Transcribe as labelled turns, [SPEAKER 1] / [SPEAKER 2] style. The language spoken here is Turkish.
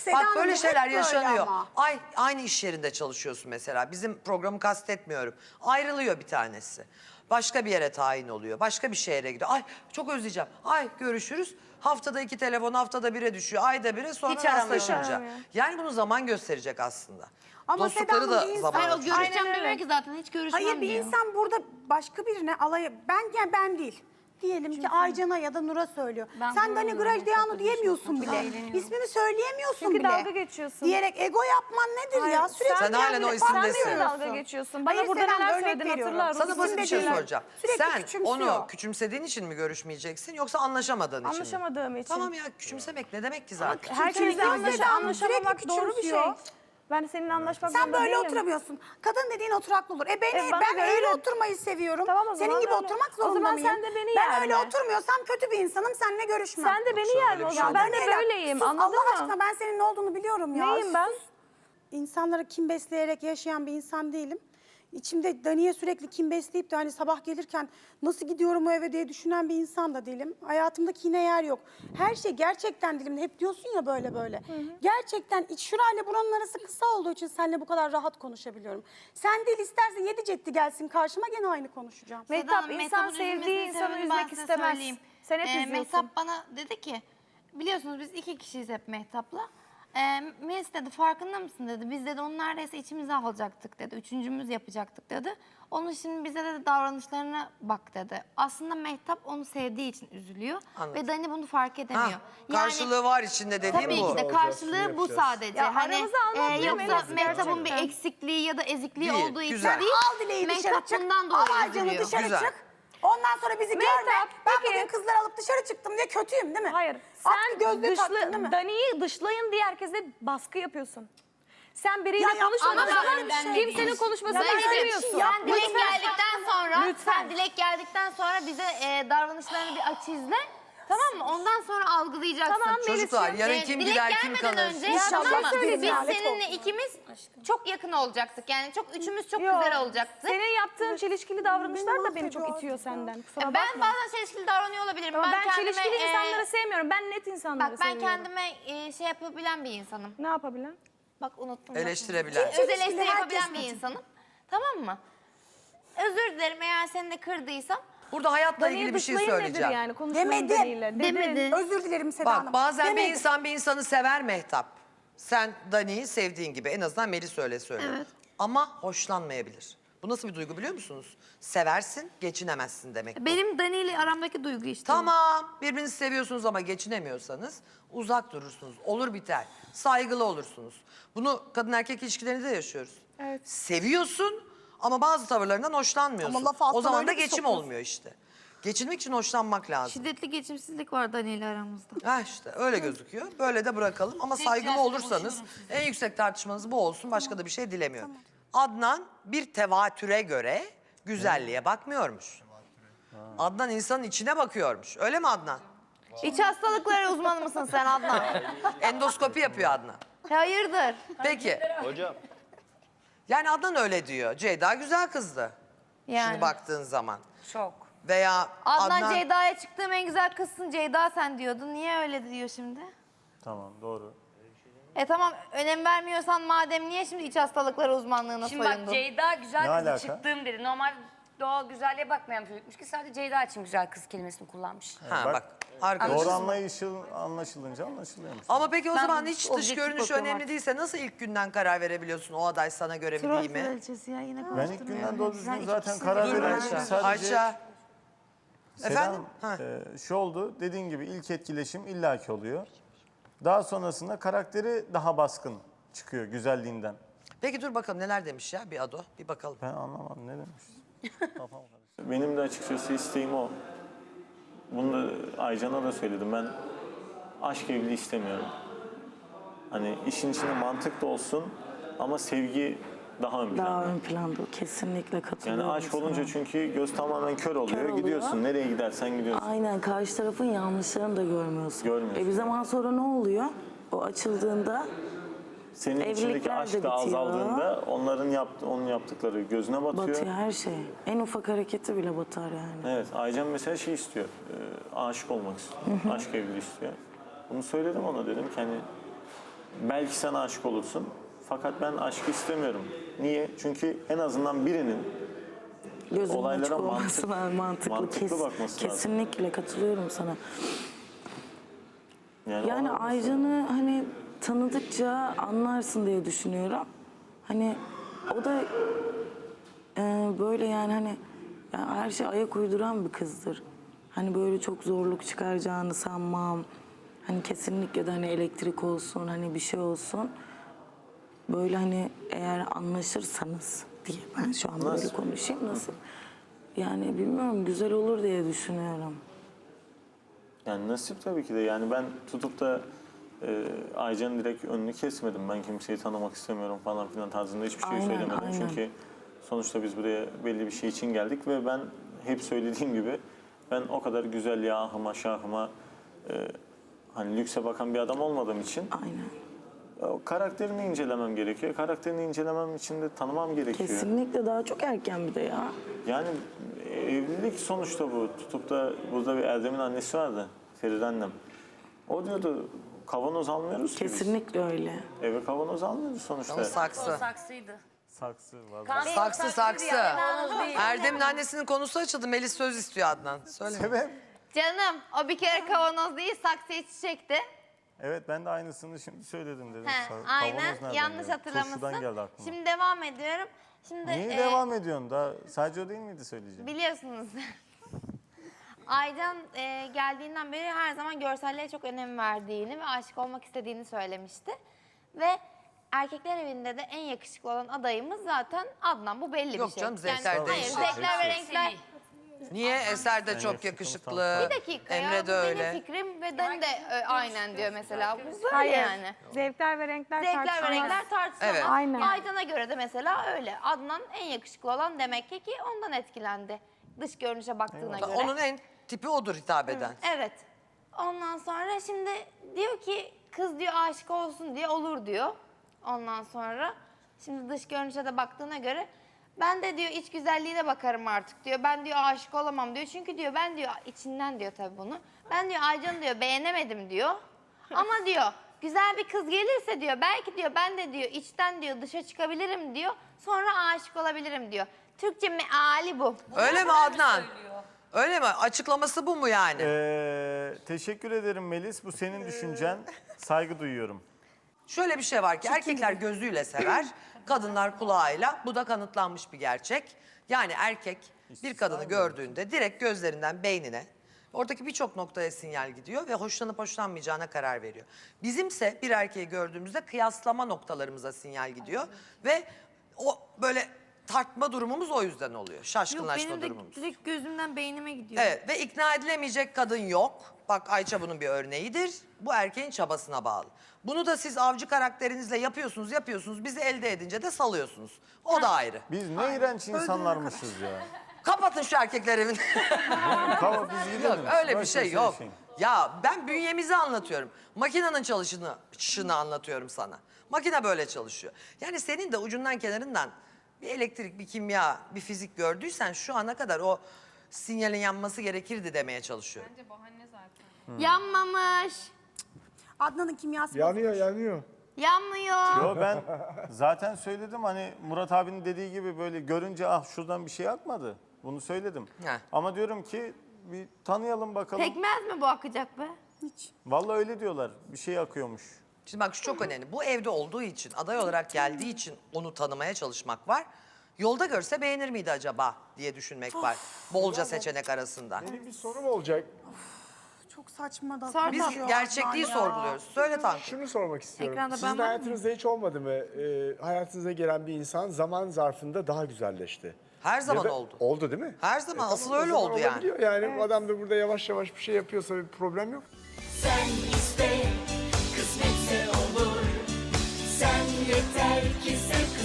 [SPEAKER 1] Bak
[SPEAKER 2] Hanım,
[SPEAKER 1] böyle
[SPEAKER 2] hep
[SPEAKER 1] şeyler
[SPEAKER 2] böyle
[SPEAKER 1] yaşanıyor.
[SPEAKER 2] ama.
[SPEAKER 1] Aynı iş yerinde çalışıyorsun mesela. Bizim programı kastetmiyorum. Ayrılıyor bir tanesi. Başka bir yere tayin oluyor. Başka bir şehre gidiyor. Ay çok özleyeceğim. Ay görüşürüz. Haftada 2 telefon, haftada 1'e düşüyor. Ayda 1'e sonra
[SPEAKER 3] Hiç aramıyor.
[SPEAKER 1] rastlaşınca.
[SPEAKER 3] Hiç aramıyor.
[SPEAKER 1] Yani bunu zaman gösterecek aslında.
[SPEAKER 2] Ama Seda
[SPEAKER 1] Dostlukları
[SPEAKER 2] Hanım,
[SPEAKER 1] da
[SPEAKER 2] bir insan-
[SPEAKER 1] zaman
[SPEAKER 4] Hayır o
[SPEAKER 1] ölçecek.
[SPEAKER 4] görüşeceğim demiyor ki zaten hiç görüşmem
[SPEAKER 2] Hayır, bir
[SPEAKER 4] diyor.
[SPEAKER 2] insan burada başka birine ben değil. Diyelim ki Aycan'a ya da Nur'a söylüyor.
[SPEAKER 3] Ben
[SPEAKER 2] Sen Dani
[SPEAKER 3] bulamıyorum,
[SPEAKER 2] Grajdeanu
[SPEAKER 3] çok
[SPEAKER 2] diyemiyorsun
[SPEAKER 3] üzüldüm,
[SPEAKER 2] bile.
[SPEAKER 3] çok eğleniyorum.
[SPEAKER 2] İsmini söyleyemiyorsun
[SPEAKER 3] Çünkü
[SPEAKER 2] bile.
[SPEAKER 3] dalga geçiyorsun.
[SPEAKER 2] Diyerek ego yapman nedir ya? Sürekli
[SPEAKER 1] Sen halen
[SPEAKER 2] kendini
[SPEAKER 1] o isimdesin.
[SPEAKER 2] parlıyorsun.
[SPEAKER 3] Sen de dalga geçiyorsun. Bana
[SPEAKER 2] Hayır,
[SPEAKER 3] burada
[SPEAKER 2] Selam,
[SPEAKER 3] neler
[SPEAKER 2] örnek
[SPEAKER 3] söyledin
[SPEAKER 2] veriyorum.
[SPEAKER 3] hatırlar.
[SPEAKER 1] Sana basit bir şey
[SPEAKER 2] İsimde
[SPEAKER 1] soracağım.
[SPEAKER 2] Sürekli
[SPEAKER 1] Sen
[SPEAKER 2] küçümsüyor.
[SPEAKER 1] onu küçümsediğin için mi görüşmeyeceksin yoksa anlaşamadığın için mi?
[SPEAKER 3] Anlaşamadığım için.
[SPEAKER 1] Tamam ya küçümsemek ne demek ki zaten?
[SPEAKER 3] Herkesle
[SPEAKER 2] Sedan
[SPEAKER 3] anlaşamamak
[SPEAKER 2] sürekli
[SPEAKER 3] doğru bir şey.
[SPEAKER 2] küçümsüyor.
[SPEAKER 3] Ben seninle anlaşmak
[SPEAKER 2] Sen
[SPEAKER 3] zorunda
[SPEAKER 2] böyle
[SPEAKER 3] değilim.
[SPEAKER 2] oturamıyorsun. Kadın dediğin oturaklı olur.
[SPEAKER 3] bana
[SPEAKER 2] Ben
[SPEAKER 3] göre
[SPEAKER 2] eğri
[SPEAKER 3] öyle.
[SPEAKER 2] oturmayı seviyorum.
[SPEAKER 3] Tamam, o zaman
[SPEAKER 2] Senin gibi
[SPEAKER 3] öyle.
[SPEAKER 2] oturmak
[SPEAKER 3] O
[SPEAKER 2] zorunda
[SPEAKER 3] zaman
[SPEAKER 2] mıyım?
[SPEAKER 3] sen de beni
[SPEAKER 2] Ben öyle
[SPEAKER 3] yerme.
[SPEAKER 2] oturmuyorsam kötü bir insanım, seninle görüşmem.
[SPEAKER 3] Sen de beni
[SPEAKER 1] Yoksa
[SPEAKER 3] yerme
[SPEAKER 1] öyle
[SPEAKER 3] o
[SPEAKER 1] bir
[SPEAKER 3] zaman.
[SPEAKER 1] şey
[SPEAKER 3] Ben de
[SPEAKER 2] Daniela,
[SPEAKER 3] böyleyim.
[SPEAKER 2] sus,
[SPEAKER 3] Anladın
[SPEAKER 2] Allah
[SPEAKER 3] mı?
[SPEAKER 2] aşkına ben senin ne olduğunu biliyorum ya.
[SPEAKER 3] Neyim ben?
[SPEAKER 2] Sus. İnsanlara kim besleyerek yaşayan bir insan değilim. İçimde Dani'ye sürekli kim besleyip de hani sabah gelirken nasıl gidiyorum o eve diye düşünen bir insan da değilim. Hayatımda kine yer yok. Her şey gerçekten dilimde. Hep diyorsun ya böyle böyle. Gerçekten şurayla buranın arası kısa olduğu için seninle bu kadar rahat konuşabiliyorum. Sen değil, istersen 7 cetti gelsin karşıma, gene aynı konuşacağım.
[SPEAKER 3] Mehtap, insan sevdiği insanı üzmek istemez. Sen hep üzüyorsun.
[SPEAKER 4] Mehtap bana dedi ki, biliyorsunuz biz 2 kişiyiz hep Mehtap'la. Melis dedi farkında mısın dedi. Biz dedi onu neredeyse içimize alacaktık dedi. Üçüncümüz yapacaktık dedi. Onun şimdi bize de davranışlarına bak dedi. Aslında Mehtap onu sevdiği için üzülüyor.
[SPEAKER 1] Anladım.
[SPEAKER 4] Ve Dani bunu fark edemiyor.
[SPEAKER 1] Ha, karşılığı var içinde dediğim
[SPEAKER 4] Tabii
[SPEAKER 1] bu.
[SPEAKER 4] ki de karşılığı bu sadece.
[SPEAKER 3] Ya
[SPEAKER 4] Hani
[SPEAKER 3] aramıza almak değil,
[SPEAKER 4] yoksa
[SPEAKER 3] Melis,
[SPEAKER 4] Mehtap'ın bir
[SPEAKER 3] gerçekten.
[SPEAKER 4] eksikliği ya da ezikliği
[SPEAKER 1] Değil,
[SPEAKER 4] olduğu
[SPEAKER 1] güzel.
[SPEAKER 4] için değil.
[SPEAKER 2] Al dileği dışarı
[SPEAKER 4] Mehtap
[SPEAKER 2] çık.
[SPEAKER 4] bundan
[SPEAKER 2] Al
[SPEAKER 4] dolayı
[SPEAKER 2] Aycan'ı
[SPEAKER 4] üzülüyor.
[SPEAKER 2] dışarı
[SPEAKER 1] Güzel.
[SPEAKER 2] çık. Ondan sonra bizi
[SPEAKER 3] Mehtap,
[SPEAKER 2] görme. Ben
[SPEAKER 3] peki.
[SPEAKER 2] bugün kızları alıp dışarı çıktım diye kötüyüm değil mi?
[SPEAKER 3] Hayır.
[SPEAKER 2] Atkı
[SPEAKER 3] Sen
[SPEAKER 2] gözlüğü taktın değil mi?
[SPEAKER 3] Dani'yi dışlayın diye herkese baskı yapıyorsun. Sen biriyle
[SPEAKER 2] Ya
[SPEAKER 3] konuşmadığın
[SPEAKER 4] ama
[SPEAKER 3] zaman
[SPEAKER 4] ben
[SPEAKER 3] kimsenin konuşmasını
[SPEAKER 2] Ya ben öyle bir şey
[SPEAKER 3] istemiyorsun.
[SPEAKER 2] yap-
[SPEAKER 4] Sen Dilek geldikten sonra,
[SPEAKER 3] Lütfen.
[SPEAKER 4] sen Dilek geldikten sonra bize davranışlarını bir aç izle. Tamam mı? Ondan sonra algılayacaksın.
[SPEAKER 3] Tamam,
[SPEAKER 1] Çocuklar yarın
[SPEAKER 4] Dilek
[SPEAKER 1] kim gider kim
[SPEAKER 4] gelmeden
[SPEAKER 1] kalır?
[SPEAKER 4] önce
[SPEAKER 2] İnşallah
[SPEAKER 4] tamam mı?
[SPEAKER 2] söyleyeyim
[SPEAKER 4] Biz
[SPEAKER 2] ya, lanet
[SPEAKER 4] seninle
[SPEAKER 2] olsun.
[SPEAKER 4] ikimiz çok yakın olacaktık. Yani üçümüz çok
[SPEAKER 3] Yok.
[SPEAKER 4] güzel olacaktık.
[SPEAKER 3] Senin yaptığın çelişkili davranışlar da beni çok
[SPEAKER 2] mahvediyor
[SPEAKER 3] itiyor
[SPEAKER 2] artık ya.
[SPEAKER 3] senden. Kusura bakma.
[SPEAKER 4] Ben bazen çelişkili davranıyor olabilirim.
[SPEAKER 3] Ama ben
[SPEAKER 4] kendime,
[SPEAKER 3] çelişkili insanları sevmiyorum. Ben net insanları
[SPEAKER 4] Bak ben
[SPEAKER 3] seviyorum.
[SPEAKER 4] kendime şey yapabilen bir insanım.
[SPEAKER 3] Ne yapabilen?
[SPEAKER 4] Bak unuttum.
[SPEAKER 1] Eleştirebilen.
[SPEAKER 4] Öz eleştiri
[SPEAKER 2] Herkes
[SPEAKER 4] yapabilen bir
[SPEAKER 2] kötü.
[SPEAKER 4] insanım. Tamam mı? Özür dilerim eğer seni de kırdıysam.
[SPEAKER 1] Burada hayatla
[SPEAKER 3] Dani'yi
[SPEAKER 1] ilgili bir şey
[SPEAKER 3] dışlayın nedir
[SPEAKER 1] söyleyeceğim.
[SPEAKER 3] yani? Konuşmayın
[SPEAKER 2] Demedim.
[SPEAKER 3] Dani'yle. Dedin.
[SPEAKER 4] Demedi.
[SPEAKER 2] Özür dilerim Seda Hanım.
[SPEAKER 1] Bak bazen bir
[SPEAKER 2] Demedim.
[SPEAKER 1] insan bir insanı sever Mehtap. Sen Dani'yi sevdiğin gibi, en azından Melis öyle söylüyor.
[SPEAKER 4] Evet.
[SPEAKER 1] Ama hoşlanmayabilir. Bu nasıl bir duygu biliyor musunuz? Seversin, geçinemezsin demek bu.
[SPEAKER 4] Benim Dani ile aramdaki duygu işte.
[SPEAKER 1] Tamam, birbirinizi seviyorsunuz ama geçinemiyorsanız uzak durursunuz. Olur biter. Saygılı olursunuz. Bunu kadın erkek ilişkilerinde de yaşıyoruz.
[SPEAKER 3] Evet.
[SPEAKER 1] Seviyorsun ama bazı tavırlarından hoşlanmıyorsun.
[SPEAKER 2] Ama lafı alttan
[SPEAKER 1] O zaman
[SPEAKER 2] öyle
[SPEAKER 1] da
[SPEAKER 2] bir
[SPEAKER 1] geçim
[SPEAKER 2] sokuyorsun.
[SPEAKER 1] olmuyor işte. Geçinmek için hoşlanmak lazım.
[SPEAKER 4] Şiddetli geçimsizlik var Dani ile aramızda.
[SPEAKER 1] Ha işte öyle gözüküyor. Böyle de bırakalım ama saygılı olursanız en yüksek tartışmanız bu olsun. Başka da bir şey dilemiyorum. Adnan bir tevatüre göre güzelliğe bakmıyormuş. Adnan insanın içine bakıyormuş. Öyle mi Adnan?
[SPEAKER 4] İç hastalıkları uzmanı mısın sen Adnan?
[SPEAKER 1] Endoskopi yapıyor Adnan.
[SPEAKER 4] Hayırdır?
[SPEAKER 1] Peki.
[SPEAKER 5] Hocam.
[SPEAKER 1] Yani Adnan öyle diyor. Ceyda güzel kızdı.
[SPEAKER 4] Yani.
[SPEAKER 1] Şimdi baktığın zaman.
[SPEAKER 3] Çok.
[SPEAKER 1] Veya
[SPEAKER 4] Adnan Ceyda'ya çıktığım en güzel kızsın Ceyda sen diyordun. Niye öyle diyor şimdi?
[SPEAKER 5] Tamam doğru.
[SPEAKER 4] Tamam önem vermiyorsan madem niye şimdi iç hastalıkları uzmanlığına
[SPEAKER 6] Şimdi
[SPEAKER 4] soyundun?
[SPEAKER 6] bak Ceyda güzel
[SPEAKER 5] Ne
[SPEAKER 6] kızı
[SPEAKER 5] alaka?
[SPEAKER 6] çıktığım dedi. Normal doğal güzelliğe bakmayan bir çocukmuş ki sadece Ceyda için güzel kız kelimesini kullanmış.
[SPEAKER 1] ha
[SPEAKER 5] Bak,
[SPEAKER 1] bak. Arkadaşız.
[SPEAKER 5] Doğru anlaşılınca anlaşılıyormuş.
[SPEAKER 1] Ama peki o
[SPEAKER 4] Ben
[SPEAKER 1] zaman hiç dış
[SPEAKER 4] objektif
[SPEAKER 1] görünüş
[SPEAKER 4] bakıyorum
[SPEAKER 1] önemli
[SPEAKER 4] artık.
[SPEAKER 1] değilse nasıl ilk günden karar verebiliyorsun o aday sana göre mi
[SPEAKER 4] Troll
[SPEAKER 1] değil mi?
[SPEAKER 4] kraliçesi ya yine
[SPEAKER 5] Ben ilk günden doğru
[SPEAKER 4] Sen
[SPEAKER 5] düzgün zaten
[SPEAKER 4] ikisi-
[SPEAKER 5] karar
[SPEAKER 1] Dur
[SPEAKER 5] veren
[SPEAKER 1] Ayça.
[SPEAKER 5] sadece...
[SPEAKER 1] Ayça.
[SPEAKER 5] Sedan,
[SPEAKER 1] Efendim? Ha.
[SPEAKER 5] şu oldu, dediğin gibi ilk etkileşim illaki oluyor. Daha sonrasında karakteri daha baskın çıkıyor güzelliğinden.
[SPEAKER 1] Peki dur bakalım neler demiş ya bir Ado. Bir bakalım.
[SPEAKER 5] Ben anlamadım ne demiş. Kafam karıştı. Benim de açıkçası isteğim o. Bunu da Aycan'a da söyledim. Ben aşk evliliği istemiyorum. Hani işin içinde mantık da olsun ama sevgi daha ön
[SPEAKER 7] Daha
[SPEAKER 5] planda.
[SPEAKER 7] ön planda kesinlikle katılıyorum.
[SPEAKER 5] Yani aşk olunca
[SPEAKER 7] sana.
[SPEAKER 5] çünkü göz tamamen kör oluyor.
[SPEAKER 7] oluyor.
[SPEAKER 5] Gidiyorsun nereye gidersen gidiyorsun.
[SPEAKER 7] Aynen karşı tarafın yanlışlarını da görmüyorsun.
[SPEAKER 5] Görmüyorsun.
[SPEAKER 7] Bir zaman sonra ne oluyor? O açıldığında
[SPEAKER 5] Senin içindeki
[SPEAKER 7] evlilikler de
[SPEAKER 5] aşk da
[SPEAKER 7] bitiyor.
[SPEAKER 5] azaldığında onun yaptıkları gözüne batıyor.
[SPEAKER 7] batıyor her şey. En ufak hareketi bile batar yani.
[SPEAKER 5] Evet, Aycan mesela şey istiyor, aşık olmak istiyor, aşk evliliği istiyor. Bunu söyledim ona dedim ki hani belki sen aşık olursun. Fakat ben aşkı istemiyorum. Niye? Çünkü en azından birinin
[SPEAKER 7] Gözünün
[SPEAKER 5] olaylara
[SPEAKER 7] açık olması mantıklı.
[SPEAKER 5] mantıklı bakması lazım.
[SPEAKER 7] Kesinlikle katılıyorum sana. Yani
[SPEAKER 5] olmaz.
[SPEAKER 7] Aycan'ı hani tanıdıkça anlarsın diye düşünüyorum. Hani o da böyle yani hani her şey ayak uyduran bir kızdır. Hani böyle çok zorluk çıkaracağını sanmam. Hani kesinlikle de hani elektrik olsun, hani bir şey olsun. Böyle hani eğer anlaşırsanız diye ben şu an böyle
[SPEAKER 5] Nasıl?
[SPEAKER 7] konuşayım. Nasıl? Yani bilmiyorum, güzel olur diye düşünüyorum.
[SPEAKER 5] Yani nasip tabii ki de. Yani ben tutup da Aycan'ın direkt önünü kesmedim. Ben kimseyi tanımak istemiyorum falan filan tarzında hiçbir şey
[SPEAKER 7] Aynen,
[SPEAKER 5] söylemedim.
[SPEAKER 7] aynen.
[SPEAKER 5] Çünkü sonuçta biz buraya belli bir şey için geldik ve ben hep söylediğim gibi ben o kadar güzelliğe, ahıma, şahıma hani lükse bakan bir adam olmadığım için
[SPEAKER 7] Aynen.
[SPEAKER 5] o karakterini incelemem gerekiyor. Karakterini incelemem için de tanımam gerekiyor.
[SPEAKER 7] Kesinlikle daha çok erken bir de ya.
[SPEAKER 5] Yani evlilik sonuçta bu. Tutup da burada bir Erdem'in annesi vardı. Feride annem. O diyordu kavanoz almıyoruz ki biz.
[SPEAKER 7] Kesinlikle öyle.
[SPEAKER 5] Eve kavanoz almıyoruz sonuçta.
[SPEAKER 1] O saksı.
[SPEAKER 6] Saksıydı.
[SPEAKER 5] Saksı var.
[SPEAKER 1] Saksı. Erdem'in annesinin konusu açıldı. Melis söz istiyor Adnan. Söyle.
[SPEAKER 4] Canım o bir kere kavanoz değil saksıya çiçekti.
[SPEAKER 5] Evet ben de aynısını şimdi söyledim dedim.
[SPEAKER 4] He,
[SPEAKER 5] Kavanoz
[SPEAKER 4] aynen
[SPEAKER 5] nereden
[SPEAKER 4] yanlış
[SPEAKER 5] geldi?
[SPEAKER 4] hatırlamışsın.
[SPEAKER 5] Turşudan geldi aklıma.
[SPEAKER 4] Şimdi devam ediyorum. Şimdi
[SPEAKER 5] Niye devam ediyorsun? Daha sadece o değil miydi söyleyeceğim?
[SPEAKER 4] biliyorsunuz. Aycan geldiğinden beri her zaman görselliğe çok önem verdiğini ve aşık olmak istediğini söylemişti. Ve erkekler evinde de en yakışıklı olan adayımız zaten Adnan. Bu belli
[SPEAKER 1] Yok
[SPEAKER 4] bir şey.
[SPEAKER 1] canım, zevkler
[SPEAKER 4] hayır,
[SPEAKER 1] değişir.
[SPEAKER 4] zevkler ve renkler.
[SPEAKER 1] Niye? Eser de çok
[SPEAKER 5] yakışıklı
[SPEAKER 1] yakışıklı.
[SPEAKER 4] Bir dakika
[SPEAKER 1] Emre
[SPEAKER 4] ya, bu
[SPEAKER 1] de öyle.
[SPEAKER 4] benim fikrim ve Dani de aynen diyor mesela. Bu böyle
[SPEAKER 3] Hayır.
[SPEAKER 4] yani.
[SPEAKER 3] Zevkler ve renkler
[SPEAKER 4] Zevkler ve
[SPEAKER 3] tartışılmaz.
[SPEAKER 4] renkler tartışılamaz.
[SPEAKER 1] Evet.
[SPEAKER 3] Aynen.
[SPEAKER 4] Aydan'a göre de mesela öyle. Adnan en yakışıklı olan demek ki ondan etkilendi. Dış görünüşe baktığına göre.
[SPEAKER 1] Onun en tipi odur hitap eden.
[SPEAKER 4] Evet. Ondan sonra şimdi diyor ki kız diyor aşık olsun diye olur diyor. Ondan sonra şimdi dış görünüşe de baktığına göre ben de diyor iç güzelliğine bakarım artık diyor. Ben diyor aşık olamam diyor. Çünkü diyor ben diyor içinden diyor tabii bunu. Ben diyor Aycan'ı diyor beğenemedim diyor. Ama diyor güzel bir kız gelirse diyor belki diyor ben de diyor içten diyor dışa çıkabilirim diyor. Sonra aşık olabilirim diyor. Türkçe meali bu.
[SPEAKER 1] Öyle mi Adnan? Öyle mi? Açıklaması bu mu yani?
[SPEAKER 5] Teşekkür ederim Melis. Bu senin düşüncen. Saygı duyuyorum.
[SPEAKER 1] Şöyle bir şey var ki erkekler gözüyle sever, kadınlar kulağıyla. Bu da kanıtlanmış bir gerçek. Yani erkek bir kadını gördüğünde direkt gözlerinden beynine, oradaki birçok noktaya sinyal gidiyor ve hoşlanıp hoşlanmayacağına karar veriyor. Bizimse bir erkeği gördüğümüzde kıyaslama noktalarımıza sinyal gidiyor ve o böyle tartma durumumuz o yüzden oluyor.
[SPEAKER 4] Yok
[SPEAKER 1] Şaşkınlaşma
[SPEAKER 4] benim de
[SPEAKER 1] durumumuz.
[SPEAKER 4] direkt gözümden beynime gidiyor.
[SPEAKER 1] Evet ve ikna edilemeyecek kadın yok. Bak Ayça bunun bir örneğidir. Bu erkeğin çabasına bağlı. Bunu da siz avcı karakterinizle yapıyorsunuz. Bizi elde edince de salıyorsunuz. O da ayrı.
[SPEAKER 5] Biz ne iğrenç insanlarmışız ya.
[SPEAKER 1] Kapatın şu erkekler evini.
[SPEAKER 5] Tamam biz gidelim.
[SPEAKER 1] Öyle bir
[SPEAKER 5] Boş
[SPEAKER 1] şey
[SPEAKER 5] ver
[SPEAKER 1] yok.
[SPEAKER 5] şey.
[SPEAKER 1] Ya ben bünyemizi anlatıyorum. Makinenin çalışını anlatıyorum sana. Makine böyle çalışıyor. Yani senin de ucundan kenarından bir elektrik, bir kimya, bir fizik gördüysen şu ana kadar o sinyalin yanması gerekirdi demeye çalışıyor.
[SPEAKER 4] Yanmamış.
[SPEAKER 2] Adnan'ın kimyası
[SPEAKER 8] Yanıyor, yanıyor.
[SPEAKER 4] Yanmıyor.
[SPEAKER 5] Yo ben zaten söyledim hani Murat abinin dediği gibi böyle görünce ah şuradan bir şey akmadı. Bunu söyledim.
[SPEAKER 1] Heh.
[SPEAKER 5] Ama diyorum ki bir tanıyalım bakalım.
[SPEAKER 4] Pekmez mi bu akacak be?
[SPEAKER 5] Vallahi öyle diyorlar. Bir şey akıyormuş.
[SPEAKER 1] Şimdi bak şu çok önemli. Bu evde olduğu için, aday olarak geldiği için onu tanımaya çalışmak var. Yolda görse beğenir miydi acaba diye düşünmek var. Bolca seçenek arasında.
[SPEAKER 8] Benim bir sorum olacak.
[SPEAKER 2] çok saçma da.
[SPEAKER 4] Sor
[SPEAKER 1] Biz
[SPEAKER 2] konuşuyor
[SPEAKER 1] gerçekliği
[SPEAKER 2] Adnan ya.
[SPEAKER 1] sorguluyoruz. Söyle Tankut.
[SPEAKER 8] Şunu sormak istiyorum.
[SPEAKER 4] Ekranda ben
[SPEAKER 8] Sizin
[SPEAKER 4] var mı?
[SPEAKER 8] hayatınızda hiç olmadı mı? Hayatınıza gelen bir insan zaman zarfında daha güzelleşti.
[SPEAKER 1] Her zaman
[SPEAKER 8] Ya da-
[SPEAKER 1] oldu.
[SPEAKER 8] Oldu değil mi?
[SPEAKER 1] Her zaman.
[SPEAKER 8] Tamam,
[SPEAKER 1] Asıl
[SPEAKER 8] o
[SPEAKER 1] öyle
[SPEAKER 8] zaman
[SPEAKER 1] oldu yani.
[SPEAKER 8] olabiliyor. Yani adam da burada yavaş yavaş bir şey yapıyorsa bir problem yok.
[SPEAKER 9] Sen iste, kısmetse olur. Sen yeter ki sev.